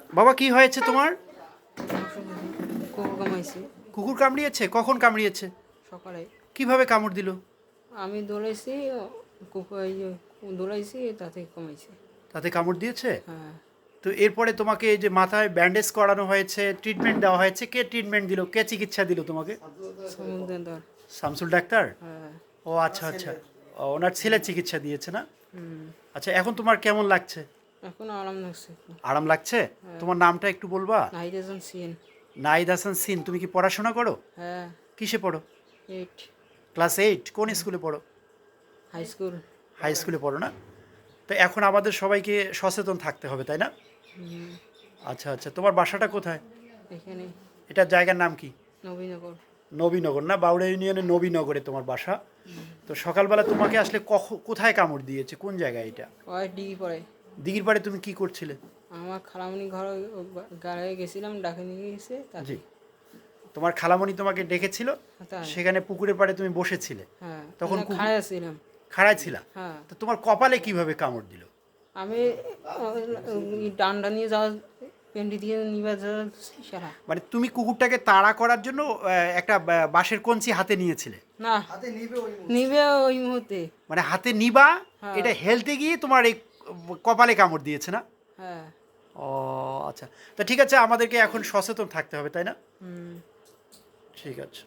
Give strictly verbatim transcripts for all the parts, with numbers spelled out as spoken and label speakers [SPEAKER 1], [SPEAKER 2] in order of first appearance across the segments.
[SPEAKER 1] বাবা কি হয়েছে তোমার?
[SPEAKER 2] কুকুর কামাইছে
[SPEAKER 1] কুকুর কামড়িয়েছে? কখন কামড়িয়েছে?
[SPEAKER 2] সকালে।
[SPEAKER 1] কিভাবে কামড় দিল?
[SPEAKER 2] আমি দৌড়াইছি, কুকুর এই যে দৌড়াইছি তাতে কমাইছে।
[SPEAKER 1] তাতে কামড় দিয়েছে?
[SPEAKER 2] হ্যাঁ,
[SPEAKER 1] তো এরপরে তোমাকে এই যে মাথায় ব্যান্ডেজ করানো হয়েছে, ট্রিটমেন্ট দেওয়া হয়েছে, কে ট্রিটমেন্ট দিল, কে চিকিৎসা দিল তোমাকে?
[SPEAKER 2] সমুদ্র।
[SPEAKER 1] শামসুল ডাক্তার?
[SPEAKER 2] হ্যাঁ।
[SPEAKER 1] ও আচ্ছা আচ্ছা। ও, ওনার ছেলে চিকিৎসা দিয়েছে না?
[SPEAKER 2] হুম।
[SPEAKER 1] আচ্ছা, এখন তোমার কেমন লাগছে?
[SPEAKER 2] এখন আরাম লাগছে।
[SPEAKER 1] আরাম লাগছে? তোমার নামটা একটু বলবা?
[SPEAKER 2] নাহিদ হাসান সিন।
[SPEAKER 1] নাহিদ হাসান সিন। তুমি কি পড়াশোনা করো?
[SPEAKER 2] হ্যাঁ।
[SPEAKER 1] কিসে পড়ো?
[SPEAKER 2] এইট।
[SPEAKER 1] Class eight? কোন স্কুলে পড়ো?
[SPEAKER 2] High school.
[SPEAKER 1] হাই স্কুলে পড়ো না? তো এখন আমাদের সবাইকে সচেতন থাকতে হবে, তাই না?
[SPEAKER 2] হুম।
[SPEAKER 1] আচ্ছা আচ্ছা, তোমার বাসাটা কোথায়?
[SPEAKER 2] এখানে
[SPEAKER 1] এটার জায়গার নাম কি?
[SPEAKER 2] নবীনগর।
[SPEAKER 1] নবীনগর না? বাউড়া ইউনিয়নের নবীনগরে তোমার বাসা। তো সকালবেলা তোমাকে আসলে কখ কোথায় কামড় দিয়েছে, কোন জায়গায় এটা?
[SPEAKER 2] ওই ডিগ্রি পড়ে।
[SPEAKER 1] দিঘির পাড়ে তুমি কি করছিলে?
[SPEAKER 2] আমার খালামণি ঘর গাড়ি গেছিলাম, ডাকে নিয়ে গেছে তাতে।
[SPEAKER 1] জি, তোমার খালামণি তোমাকে ডেকেছিল,
[SPEAKER 2] তাই।
[SPEAKER 1] সেখানে পুকুরের পাড়ে তুমি বসেছিলে,
[SPEAKER 2] হ্যাঁ,
[SPEAKER 1] তখন
[SPEAKER 2] তখন
[SPEAKER 1] কুকুর-
[SPEAKER 2] খাড়া ছিলাম।
[SPEAKER 1] খাড়ায় ছিলা?
[SPEAKER 2] হ্যাঁ।
[SPEAKER 1] তো তোমার কপালে কিভাবে কামড় দিল?
[SPEAKER 2] আমি ওই ডান্ডা নিয়ে যাওয়া, পেন্ডি দিয়ে নিবা যাওয়া সারা।
[SPEAKER 1] মানে তুমি কুকুরটাকে তাড়া করার জন্য আহ, একটা আহ, বাঁশের কঞ্চি হাতে নিয়েছিলে?
[SPEAKER 2] না, নিবে ওই মুহূর্তে।
[SPEAKER 1] মানে হাতে নিবা,
[SPEAKER 2] হ্যাঁ।
[SPEAKER 1] এটা হেলতে গিয়ে তোমার এই কপালে কামড় দিয়েছে না?
[SPEAKER 2] হ্যাঁ।
[SPEAKER 1] ও আচ্ছা, তো ঠিক আছে, আমাদেরকে এখন সচেতন থাকতে হবে, তাই না?
[SPEAKER 2] হুম।
[SPEAKER 1] ঠিক আছে।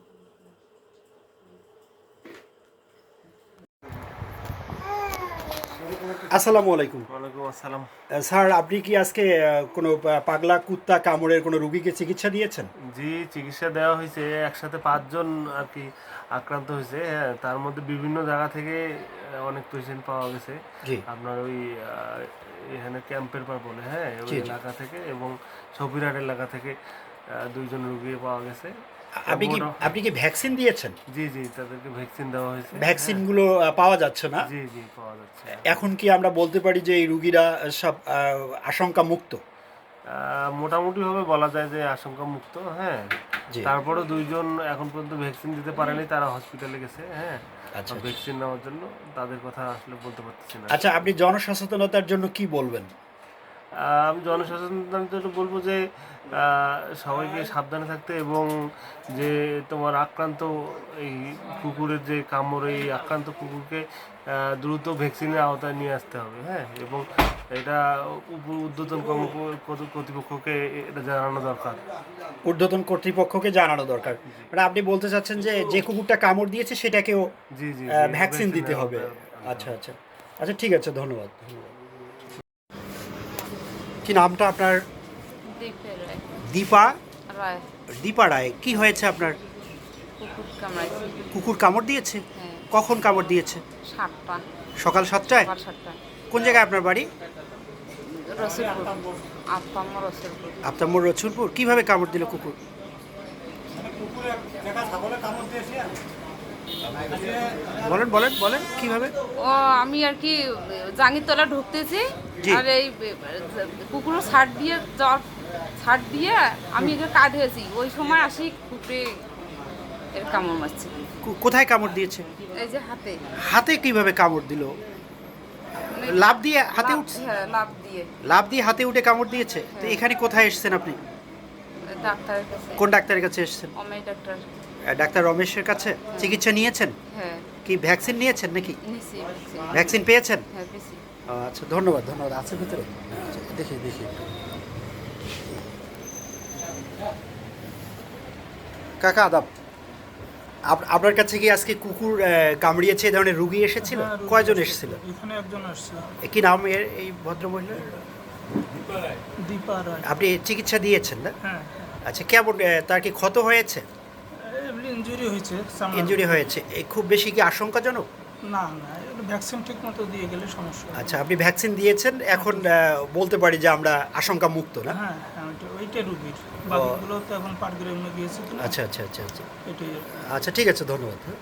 [SPEAKER 1] আসসালামু আলাইকুম।
[SPEAKER 3] ওয়ালাইকুম আসসালাম।
[SPEAKER 1] আহ, স্যার, আপনি কি আজকে আহ, কোনো আহ, পাগলা কুত্তা কামড়ের কোনো রুগীকে চিকিৎসা দিয়েছেন?
[SPEAKER 3] জি, চিকিৎসা দেওয়া হয়েছে। একসাথে পাঁচজন আর কি আক্রান্ত হয়েছে। হ্যাঁ, তার মধ্যে বিভিন্ন জায়গা থেকে আহ, অনেক পেশেন্ট পাওয়া গেছে।
[SPEAKER 1] জি
[SPEAKER 3] আপনার ওই আহ, এখানে ক্যাম্পের পর বলে, হ্যাঁ, ওই
[SPEAKER 1] জি, জি।
[SPEAKER 3] এলাকা থেকে এবং সফিরহাট এলাকা থেকে আহ, দুইজন রুগী পাওয়া গেছে।
[SPEAKER 1] আপনি কি
[SPEAKER 3] মোটা-
[SPEAKER 1] আপনি কি ভ্যাকসিন দিয়েছেন?
[SPEAKER 3] জি জি, তাদেরকে ভ্যাকসিন দেওয়া হয়েছে।
[SPEAKER 1] ভ্যাকসিনগুলো আহ, পাওয়া যাচ্ছে না?
[SPEAKER 3] হ্যাঁ, জি জি, পাওয়া যাচ্ছে।
[SPEAKER 1] এখন কি আমরা বলতে পারি যে এই রুগীরা সব আহ, আশঙ্কা মুক্ত?
[SPEAKER 3] আহ, মোটামুটিভাবে বলা যায় যে আশঙ্কা মুক্ত। হ্যাঁ,
[SPEAKER 1] জি।
[SPEAKER 3] তারপরে দুইজন এখন পর্যন্ত ভ্যাকসিন দিতে পারেনি, তারা হসপিটালে গেছে। হ্যাঁ,
[SPEAKER 1] আচ্ছা, আচ্ছা।
[SPEAKER 3] ভ্যাকসিন নেওয়ার জন্য। তাদের কথা আসলে বলতে পারতেছি না।
[SPEAKER 1] আচ্ছা, আপনি জনসচেতনতার জন্য কি বলবেন?
[SPEAKER 3] আহ, আমি জনসচেতনতার জন্য বলবো যে আহ, সবাইকে সাবধানে থাকতে এবং যে তোমার আক্রান্ত এই কুকুরের যে কামড়, এই আক্রান্ত কুকুরকে আহ, দ্রুত ভ্যাকসিনের আওতায় নিয়ে আসতে হবে। হ্যাঁ, এবং এটা উপ- ঊর্ধ্বতন কর্ম কর্তৃপক্ষকে এটা জানানো দরকার।
[SPEAKER 1] ঊর্ধ্বতন কর্তৃপক্ষকে জানানো দরকার। মানে আপনি বলতে চাচ্ছেন যে যে কুকুরটা কামড় দিয়েছে সেটাকেও
[SPEAKER 3] জি জি,
[SPEAKER 1] আহ,
[SPEAKER 3] জি,
[SPEAKER 1] ভ্যাকসিন দিতে
[SPEAKER 3] নেওয়া
[SPEAKER 1] হবে?
[SPEAKER 3] দরকার।
[SPEAKER 1] আচ্ছা আচ্ছা আচ্ছা, ঠিক আছে, ধন্যবাদ ধন্যবাদ। কি নামটা আপনার?
[SPEAKER 4] দীপের রায়।
[SPEAKER 1] দীপা?
[SPEAKER 4] রায়।
[SPEAKER 1] দীপা রায়। কি হয়েছে আপনার?
[SPEAKER 4] কুকুর কামড়াইছে।
[SPEAKER 1] কুকুর কামড় দিয়েছে?
[SPEAKER 4] হ্যাঁ।
[SPEAKER 1] কখন কামড় দিয়েছে?
[SPEAKER 4] সাতটা।
[SPEAKER 1] সকাল সাতটায়?
[SPEAKER 4] সকাল সাতটায়।
[SPEAKER 1] কোন জায়গায় আপনার বাড়ি?
[SPEAKER 4] রসুলপুর। আপাম্ম রসুলপুর।
[SPEAKER 1] আফতাবমোড়, রসুলপুর। কিভাবে কামড় দিল কুকুর? বলেন বলেন বলেন কিভাবে?
[SPEAKER 4] ও আমি আর কি জাঙ্গিরতলা ঢুকতেছি,
[SPEAKER 1] জি।
[SPEAKER 4] আর এই কুকুর ছাড় দিয়ে জ্বর ছাড় দিয়ে আমি এখানে কাঁধ হয়েছি, ওই সময় আসি কুকুরে এর কামড় মারছে।
[SPEAKER 1] কো- কোথায় কামড় দিয়েছে?
[SPEAKER 4] এই যে হাতে।
[SPEAKER 1] হাতে কিভাবে কামড় দিল?
[SPEAKER 4] মানে
[SPEAKER 1] লাফ দিয়ে হাতে
[SPEAKER 4] লাফ-
[SPEAKER 1] উঠছে?
[SPEAKER 4] হ্যাঁ, লাফ দিয়ে।
[SPEAKER 1] লাফ দিয়ে হাতে উঠে কামড় দিয়েছে? তো
[SPEAKER 4] হ্যাঁ।
[SPEAKER 1] এখানে কোথায় এসেছেন আপনি?
[SPEAKER 4] ডাক্তারের কাছে।
[SPEAKER 1] কোন ডাক্তারের কাছে এসেছেন?
[SPEAKER 4] অমেয় ডাক্তার।
[SPEAKER 1] আহ, ডাক্তার রমেশের কাছে চিকিৎসা নিয়েছেন?
[SPEAKER 4] হ্যাঁ,
[SPEAKER 1] কি ভ্যাকসিন নিয়েছেন নাকি?
[SPEAKER 4] নিছি vaccine।
[SPEAKER 1] ভ্যাকসিন পেয়েছেন?
[SPEAKER 4] হ্যাঁ, বেশি।
[SPEAKER 1] ও, আচ্ছা, ধন্যবাদ ধন্যবাদ। আছে ভিতরে? আচ্ছা, দেখি দেখি। কাকা আদাব। আপ- আপনার কাছে কি আজকে কুকুর আহ, কামড়িয়েছে এই ধরনের রুগী এসেছিল?
[SPEAKER 5] হ্যাঁ, রোগী
[SPEAKER 1] কয়জন
[SPEAKER 5] এসেছে।
[SPEAKER 1] এসেছিল?
[SPEAKER 5] এখানে একজন আসছে,
[SPEAKER 1] এ, কি নাম এর এই ভদ্রমহিলার?
[SPEAKER 5] দীপা রায়।
[SPEAKER 1] আপনি চিকিৎসা দিয়েছেন না?
[SPEAKER 5] হ্যাঁ,
[SPEAKER 1] আচ্ছা, কেমন আহ, তার কি ক্ষত হয়েছে?
[SPEAKER 5] এমনি ইঞ্জুরি হয়েছে চামড়ার
[SPEAKER 1] ইনজুরি
[SPEAKER 5] উপরে।
[SPEAKER 1] হয়েছে? এই খুব বেশি কি আশঙ্কাজনক?
[SPEAKER 5] না না, ভ্যাকসিন ঠিক মতো দিয়ে গেলে সমস্যা হবে না।
[SPEAKER 1] আচ্ছা, আপনি ভ্যাকসিন দিয়েছেন, এখন আহ, বলতে পারি যে আমরা আশঙ্কা মুক্ত না?
[SPEAKER 5] হ্যাঁ হ্যাঁ, ওইটা- ওইটা রুগীর, বাকিগুলো তো এখন পাটগ্রামে গিয়েছে তো।
[SPEAKER 1] আচ্ছা আচ্ছা আচ্ছা আচ্ছা
[SPEAKER 5] এটাই আর কি।
[SPEAKER 1] আচ্ছা, ঠিক আছে, ধন্যবাদ। হ্যাঁ।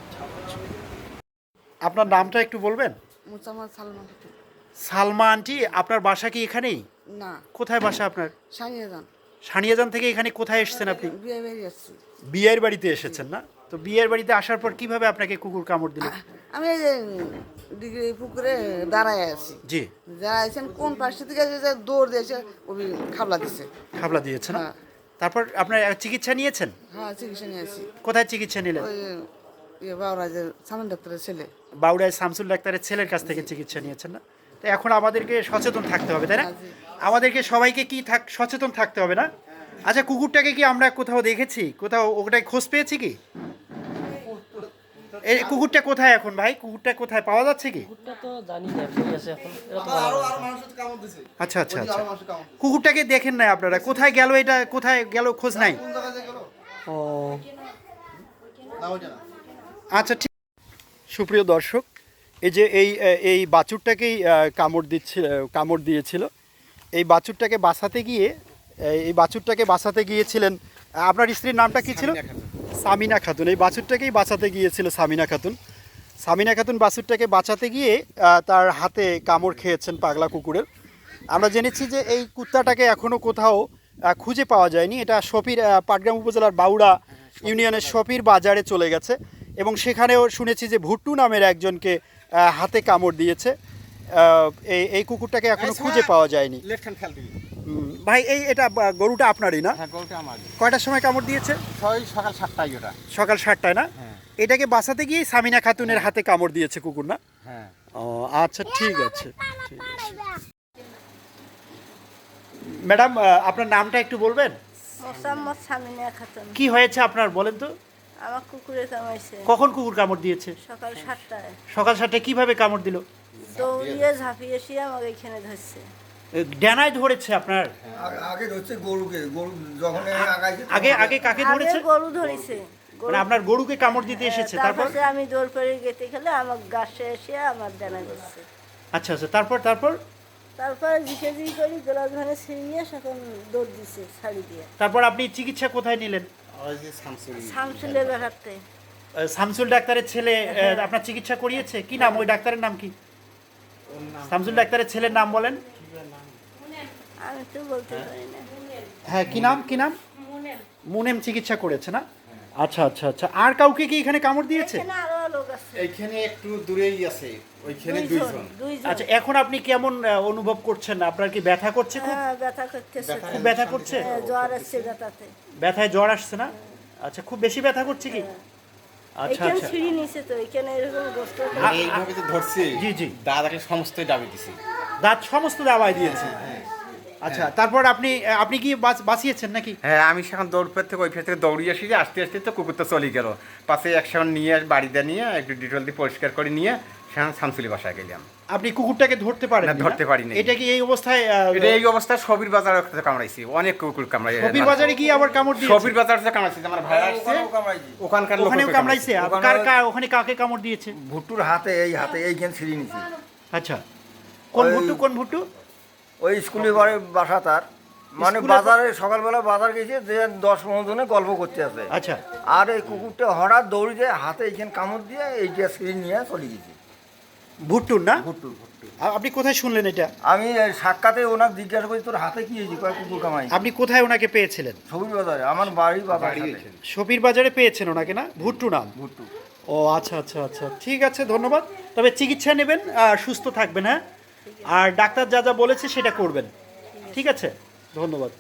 [SPEAKER 1] আপনার নামটা একটু বলবেন?
[SPEAKER 6] মুসাম্মদ সালমান।
[SPEAKER 1] সালমা আন্টি, আপনার বাসা কি এখানেই?
[SPEAKER 6] না,
[SPEAKER 1] কোথায় বাসা আপনার?
[SPEAKER 6] সানিয়ে যান।
[SPEAKER 1] সানিয়াজান থেকে এখানে কোথায় এসেছেন আপনি?
[SPEAKER 6] বিয়ে বেরিয়ে আসছি।
[SPEAKER 1] বিয়ের বাড়িতে এসেছেন না? তো বিয়ের বাড়িতে আসার পর কিভাবে আপনাকে কুকুর কামড় দিল?
[SPEAKER 6] আমি এই যে ডিগ্রি পুকুরে দাঁড়ায় আছি
[SPEAKER 1] জি
[SPEAKER 6] দাঁড়াইছেন কোন পাশে থেকে যে যে দৌড় দিয়েছে ওই খাবলা দিছে
[SPEAKER 1] খাবলা দিয়েছে না
[SPEAKER 6] হ্যাঁ।
[SPEAKER 1] তারপর আপনার চিকিৎসা নিয়েছেন
[SPEAKER 6] হ্যাঁ চিকিৎসা নিয়ে আছি
[SPEAKER 1] কোথায় চিকিৎসা নিলেন
[SPEAKER 6] ওই ইয়ে বাবরা যে সামন ডাক্তারের ছেলে
[SPEAKER 1] বাউড়ায় শামসুল ডাক্তারের ছেলের কাছ থেকে চিকিৎসা নিয়েছেন না তো এখন আমাদেরকে সচেতন থাকতে হবে তাই না
[SPEAKER 6] হ্যাঁ, জি।
[SPEAKER 1] আমাদেরকে সবাইকে কি থাক সচেতন থাকতে হবে না আচ্ছা কুকুরটাকে কি আমরা কোথাও দেখেছি কোথাও ওটাই খোঁজ পেয়েছি কি এই কুকুরটা কোথায় এখন ভাই কুকুরটা কোথায় পাওয়া যাচ্ছে কি
[SPEAKER 7] কুকুরটা তো জানি না কই আছে এখন এটা তো বলা যায় না।
[SPEAKER 1] আচ্ছা আচ্ছা আচ্ছা কুকুরটাকে দেখেন না আপনারা কোথায় গেল এটা কোথায় গেল খোঁজ নাই ও আচ্ছা ঠিক সুপ্রিয় দর্শক এই যে এই এই বাছুরটাকেই আহ, কামড় দিচ্ছিল কামড় দিয়েছিল এই বাছুরটাকে বাঁচাতে গিয়ে এই বাছুরটাকে বাঁচাতে গিয়েছিলেন আপনার স্ত্রীর নামটা কি ছিল সামিনা খাতুন এই বাছুরটাকেই বাঁচাতে গিয়েছিল সামিনা খাতুন সামিনা খাতুন বাছুরটাকে বাঁচাতে গিয়ে আহ, তার হাতে কামড় খেয়েছেন পাগলা কুকুরের আমরা জেনেছি যে এই কুত্তাটাকে এখনও কোথাও আহ, খুঁজে পাওয়া যায়নি এটা শফির আহ, পাটগ্রাম উপজেলার বাউড়া ইউনিয়নের শফির বাজারে চলে গেছে এবং সেখানেও শুনেছি যে ভুট্টু নামের একজনকে আহ, হাতে কামড় দিয়েছে আহ, এই এই কুকুরটাকে এখনো খুঁজে পাওয়া যায়নি হুম, ভাই এই এটা বা- গরুটা আপনারই না
[SPEAKER 8] হ্যাঁ গরুটা আমার
[SPEAKER 1] কয়টার সময় কামড় দিয়েছে
[SPEAKER 8] ছয় সকাল সাতটায় ওটা
[SPEAKER 1] সকাল সাতটায় না
[SPEAKER 8] হ্যাঁ
[SPEAKER 1] এটাকে বাঁচাতে গিয়ে সামিনা খাতুনের হাতে কামড় দিয়েছে কুকুর না
[SPEAKER 8] হ্যাঁ
[SPEAKER 1] ও আচ্ছা ঠিক আছে ঠিক আছে ম্যাডাম আহ, আপনার নামটা একটু বলবেন
[SPEAKER 9] মোসাম্মদ সামিনা খাতুন
[SPEAKER 1] কি হয়েছে আপনার বলেন তো
[SPEAKER 9] আমার কুকুরে কামাইছে
[SPEAKER 1] কখন কুকুর কামড় দিয়েছে
[SPEAKER 9] সকাল সাতটায়
[SPEAKER 1] সকাল সাতটায় কিভাবে কামড় দিল
[SPEAKER 9] দৌড়িয়ে ঝাঁপিয়ে এসে আমাকে এখানে ধরছে
[SPEAKER 1] এ, ডানায় ধরেছে আপনার
[SPEAKER 10] আগে হচ্ছে গরুকে গরু যখন আগাইছে
[SPEAKER 1] আগে আগে কাকে
[SPEAKER 9] আগে
[SPEAKER 1] ধরেছে
[SPEAKER 9] গরু ধরেছে
[SPEAKER 1] মানে আপনার গরুকে কামড় দিতে এসেছে তারপর
[SPEAKER 9] তারপরে আমি দৌড় করে গেতে খেলে আমার গাছে এসে আমার ডানা ধরছে
[SPEAKER 1] আচ্ছা আচ্ছা তারপর তারপর
[SPEAKER 9] তারপরে জিকে জিকে করি গোলাপ ধানে ছিঁড়িয়ে এখন দৌড় দিছে ছাড়ি দিয়ে
[SPEAKER 1] তারপর আপনি চিকিৎসা কোথায় নিলেন
[SPEAKER 9] শামসুলের বেড়াতে
[SPEAKER 1] আহ, শামসুল ডাক্তারের ছেলে আহ, আপনার চিকিৎসা করিয়েছে কি নাম ওই ডাক্তারের নাম কি শামসুল ডাক্তারের ছেলের নাম বলেন
[SPEAKER 9] আমি তো বলতে পারি না
[SPEAKER 1] হ্যাঁ কি নাম কি নাম মুনেম চিকিৎসা করেছে না আচ্ছা আচ্ছা আচ্ছা আর কাউকে কি এখানে কামড় দিয়েছে
[SPEAKER 9] এখানে আরো লোক আছে
[SPEAKER 10] এইখানে একটু দূরেই আছে ওইখানে
[SPEAKER 9] দুইজন
[SPEAKER 10] দুইজন
[SPEAKER 9] দুইজন
[SPEAKER 1] আচ্ছা এখন আপনি কেমন আহ, অনুভব করছেন আপনার কি ব্যথা করছে খুব
[SPEAKER 9] হ্যাঁ ব্যথা করতেছে
[SPEAKER 1] খুব ব্যথা করছে
[SPEAKER 9] হ্যাঁ, জ্বর আসছে ব্যথাতে
[SPEAKER 1] ব্যথায় জ্বর আসছে না আচ্ছা খুব বেশি ব্যথা করছে কি আচ্ছা
[SPEAKER 9] এখানে
[SPEAKER 1] আচ্ছা
[SPEAKER 9] ছিঁড়ি নিছে তো এখানে এরকম গোস্ত
[SPEAKER 1] আ-
[SPEAKER 10] এইভাবে তো ধরছে
[SPEAKER 1] জি জি
[SPEAKER 10] দাদাকে সমস্ত দাবি দিছে
[SPEAKER 1] দাঁত সমস্ত দাওয়াই দিয়েছে আচ্ছা তারপর আপনি আপনি কি বাঁচ- বাঁচিয়েছেন নাকি
[SPEAKER 8] হ্যাঁ আমি সেখান দৌড় পেট থেকে ওই ফের থেকে দৌড়িয়ে আসি যে আস্তে আস্তে তো কুকুরটা চলে গেল পাশে একসঙ্গে নিয়ে বাড়িতে নিয়ে একটু ডিটেল দিয়ে পরিষ্কার করে নিয়ে সেখানে শামসুলি বাসায় গেলাম
[SPEAKER 1] আপনি কুকুরটাকে ধরতে পারেন
[SPEAKER 8] না, ধরতে পারিনি।
[SPEAKER 1] এটা কি এই অবস্থায় আহ,
[SPEAKER 8] এটা এই অবস্থায় সবির বাজার কামড়াইছি অনেক কুকুর কামড়াই
[SPEAKER 1] কবির বাজারে গিয়ে আবার কামড় দিয়েছে
[SPEAKER 8] সবির বাজার যে কামড়াইছি আমার ভাই আসছে ওখানকার লোক
[SPEAKER 1] ওখানেও কামড়াইছে আর কার কার- ওখানে কাকে কামড় দিয়েছে
[SPEAKER 10] ভুট্টুর হাতে এই হাতে এইখানে ছিঁড়ি নিছি
[SPEAKER 1] আচ্ছা কোন
[SPEAKER 10] ওই-
[SPEAKER 1] ভুট্টু কোন ভুট্টু
[SPEAKER 10] ওই স্কুলে বাড়ি বাসা তার মানে
[SPEAKER 1] স্কুলে-
[SPEAKER 10] বাজারে সকালবেলা বাজার গেছে যে দশ পনেরো জনে গল্প করতে আছে
[SPEAKER 1] আচ্ছা
[SPEAKER 10] আর এই কুকুরটা হঠাৎ দৌড়ে যায় হাতে এইখানে কামড় দিয়ে এইটা ছিঁড়ি নিয়ে চলে গেছে
[SPEAKER 1] ভুট্টুর না
[SPEAKER 10] ভুট্টু ভুট্টু
[SPEAKER 1] আ- আপনি কোথায় শুনলেন এটা
[SPEAKER 10] আমি এই সাক্ষাতে ওনার জিজ্ঞাসা করি তোর হাতে কি হয়েছে কয় কুকুর কামাই
[SPEAKER 1] আপনি কোথায় ওনাকে পেয়েছিলেন
[SPEAKER 10] সবুজ বাজারে আমার বাড়ি বাজার
[SPEAKER 1] শফির বাজারে পেয়েছেন ওনাকে না ভুট্টু নাম
[SPEAKER 10] ভুট্টু
[SPEAKER 1] ও আচ্ছা আচ্ছা আচ্ছা ঠিক আছে ধন্যবাদ তবে চিকিৎসা নেবেন আর সুস্থ থাকবেন হ্যাঁ আর ডাক্তার যা যা বলেছে সেটা করবেন ঠিক আছে ধন্যবাদ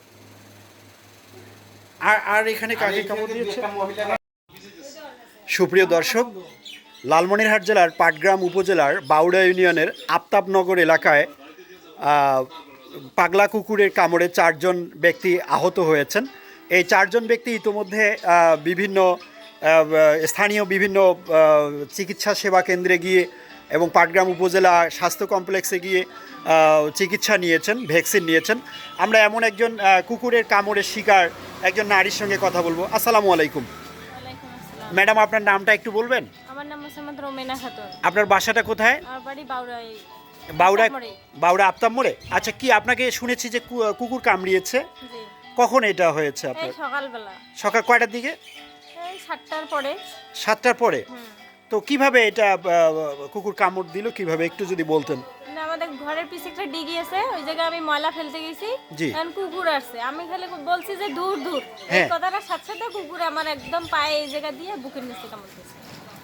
[SPEAKER 1] আর আর এখানে কাকে কামড় দিয়েছে সুপ্রিয় দর্শক লালমনিরহাট জেলার পাটগ্রাম উপজেলার বাউড়া ইউনিয়নের আফতাবনগর এলাকায় আহ, পাগলা কুকুরের কামড়ে চারজন ব্যক্তি আহত হয়েছেন এই চারজন ব্যক্তি ইতোমধ্যে আহ, বিভিন্ন আহ, স্থানীয় বিভিন্ন আহ, চিকিৎসা সেবা কেন্দ্রে গিয়ে এবং পাটগ্রাম উপজেলা স্বাস্থ্য কমপ্লেক্সে গিয়ে আহ, চিকিৎসা নিয়েছেন ভ্যাকসিন নিয়েছেন আমরা এমন একজন আহ, কুকুরের কামড়ের শিকার একজন নারীর সঙ্গে কথা বলবো আসসালামু আলাইকুম
[SPEAKER 9] ওয়ালাইকুম আসসালাম
[SPEAKER 1] ম্যাডাম আপনার নামটা একটু বলবেন
[SPEAKER 9] আমার নাম মোসাম্মদ রোমেনা খাতুন
[SPEAKER 1] আপনার বাসাটা কোথায়
[SPEAKER 9] আমার বাড়ি বাউড়াই
[SPEAKER 1] বাউড়া
[SPEAKER 9] আফতাবমোড়ে।
[SPEAKER 1] বাউড়া আফতাব মোড়ে আচ্ছা কি আপনাকে শুনেছি যে কু- কুকুর কামড়িয়েছে
[SPEAKER 9] জি
[SPEAKER 1] কখন এটা হয়েছে
[SPEAKER 9] এই
[SPEAKER 1] আপনার
[SPEAKER 9] সকালবেলা
[SPEAKER 1] সকাল কয়টার দিকে
[SPEAKER 9] এই সাতটার পরে
[SPEAKER 1] সাতটার পরে
[SPEAKER 9] হুম
[SPEAKER 1] তো কিভাবে এটা আহ, কুকুর কামড় দিল কিভাবে একটু যদি বলতেন
[SPEAKER 9] না, আমাদের ঘরের পিছে একটা ডিগি আছে ওই জায়গায় আমি ময়লা ফেলতে গেছি
[SPEAKER 1] জি।
[SPEAKER 9] এখন কুকুর আসছে আমি খালি বলছি যে দূর দূর এই
[SPEAKER 1] হ্যাঁ।
[SPEAKER 9] কথাটার সাথে সাথে কুকুর আমার একদম পায়ে এই জায়গা দিয়ে বুকের নিচে কামড় দিয়েছে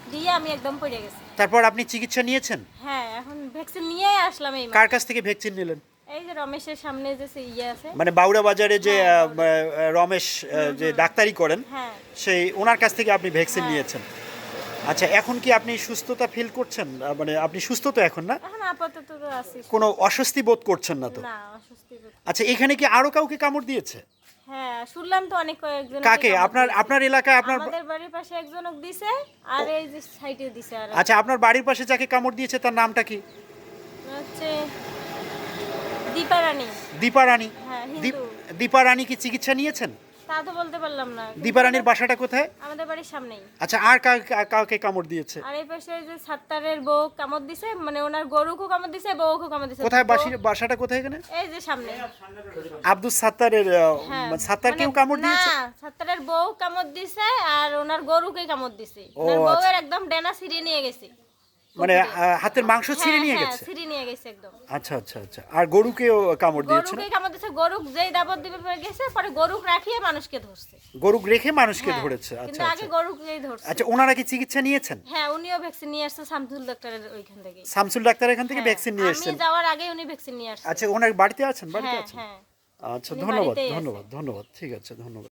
[SPEAKER 9] দিয়ে আমি একদম পড়ে গেছি।
[SPEAKER 1] তারপর আপনি চিকিৎসা নিয়েছেন?
[SPEAKER 9] হ্যাঁ, এখন ভ্যাকসিন নিয়েই আসলাম এই মাত্র।
[SPEAKER 1] কার কাছ থেকে ভ্যাকসিন নিলেন?
[SPEAKER 9] এই যে রমেশের সামনে যে সে ইয়ে আছে।
[SPEAKER 1] মানে বাউড়া বাজারে যে আহ, আহ, রমেশ আহ, যে ডাক্তারি করেন,
[SPEAKER 9] হ্যাঁ।
[SPEAKER 1] সেই ওনার কাছ থেকে আপনি ভ্যাকসিন
[SPEAKER 9] হ্যাঁ।
[SPEAKER 1] নিয়েছেন। আচ্ছা, এখন কি আপনি সুস্থতা ফিল করছেন? আহ, মানে আপনি সুস্থ তো এখন, না?
[SPEAKER 9] এখন আপাতত তো আছি।
[SPEAKER 1] কোনো অস্বস্তি বোধ করছেন না তো?
[SPEAKER 9] না, অস্বস্তি বোধ।
[SPEAKER 1] আচ্ছা, এখানে কি আরো কাউকে কামড় দিয়েছে?
[SPEAKER 9] হ্যাঁ, শুনলাম তো অনেক কয়েকজন।
[SPEAKER 1] কাকে? আপনার আপনার এলাকায় আপনার?
[SPEAKER 9] আমাদের বাড়ির পাশে একজনক দিছে আর এই যে সাইডে দিছে আর
[SPEAKER 1] আচ্ছা, আপনার বাড়ির পাশে যাকে কামড় দিয়েছে তার নামটা কি?
[SPEAKER 9] হচ্ছে দীপা রানী।
[SPEAKER 1] দীপা রানী।
[SPEAKER 9] হ্যাঁ,
[SPEAKER 1] দীপ-
[SPEAKER 9] হিন্দু।
[SPEAKER 1] দীপা রানী কি চিকিৎসা নিয়েছেন?
[SPEAKER 9] তা তো বলতে পারলাম না।
[SPEAKER 1] দীপা রানীর বাসাটা কোথায়?
[SPEAKER 9] আমাদের বাড়ির সামনেই।
[SPEAKER 1] আচ্ছা, আর কা- কা- কাউকে কামড় দিয়েছে?
[SPEAKER 9] আর এই পাশে যে সাত্তারের বউ কামড় দিছে, মানে ওনার গরুকেও কামড় দিছে, বউকেও কামড় দিছে।
[SPEAKER 1] কোথায়
[SPEAKER 9] বউ-
[SPEAKER 1] বাসি বাসাটা কোথায় এখানে?
[SPEAKER 9] এই যে সামনে।
[SPEAKER 1] আব্দুল সাত্তারের আহ,
[SPEAKER 9] হ্যাঁ,
[SPEAKER 1] সাত্তারকেও
[SPEAKER 9] মানে-
[SPEAKER 1] কামড় দিয়েছে?
[SPEAKER 9] না, সাত্তারের বউ কামড় দিছে আর ওনার গরুকে কামড় দিছে।
[SPEAKER 1] ও,
[SPEAKER 9] ওনার
[SPEAKER 1] আচ্ছা।
[SPEAKER 9] বউয়ের একদম ডেনা ছিঁড়ে নিয়ে গেছে।
[SPEAKER 1] মানে আহ, হাতের মাংস ছিঁড়ে
[SPEAKER 9] হ্যাঁ,
[SPEAKER 1] নিয়ে
[SPEAKER 9] হ্যাঁ,
[SPEAKER 1] গেছে?
[SPEAKER 9] ছিঁড়ে নিয়ে গেছে একদম।
[SPEAKER 1] আচ্ছা আচ্ছা আচ্ছা। আর গরুকেও কামড় দিয়েছে না?
[SPEAKER 9] গরুকে কামড় দিছে, গরুক যেই দাবত দিবে পরে গেছে, পরে গরুক রাখিয়ে মানুষকে ধরছে।
[SPEAKER 1] গরু রেখে মানুষকে
[SPEAKER 9] হ্যাঁ,
[SPEAKER 1] ধরেছে? আচ্ছা
[SPEAKER 9] কিন্তু আগে
[SPEAKER 1] আচ্ছা।
[SPEAKER 9] গরুকেই ধরছে।
[SPEAKER 1] আচ্ছা, ওনারা কি চিকিৎসা নিয়েছেন?
[SPEAKER 9] হ্যাঁ, উনিও ভ্যাকসিন নিয়ে আসছে শামসুল ডাক্তারের ওইখান থেকে।
[SPEAKER 1] শামসুল ডাক্তার এখান থেকে ভ্যাকসিন নিয়ে
[SPEAKER 9] আমি
[SPEAKER 1] এসেছেন?
[SPEAKER 9] যাওয়ার আগে উনি ভ্যাকসিন নিয়ে আসছে।
[SPEAKER 1] আচ্ছা, ওনার বাড়িতে আছেন? বাড়িতে
[SPEAKER 9] হ্যাঁ,
[SPEAKER 1] আছেন?
[SPEAKER 9] হ্যাঁ।
[SPEAKER 1] আচ্ছা,
[SPEAKER 9] উনি
[SPEAKER 1] ধন্যবাদ
[SPEAKER 9] বাড়িতেই আছে।
[SPEAKER 1] ধন্যবাদ ধন্যবাদ। ঠিক আছে, ধন্যবাদ।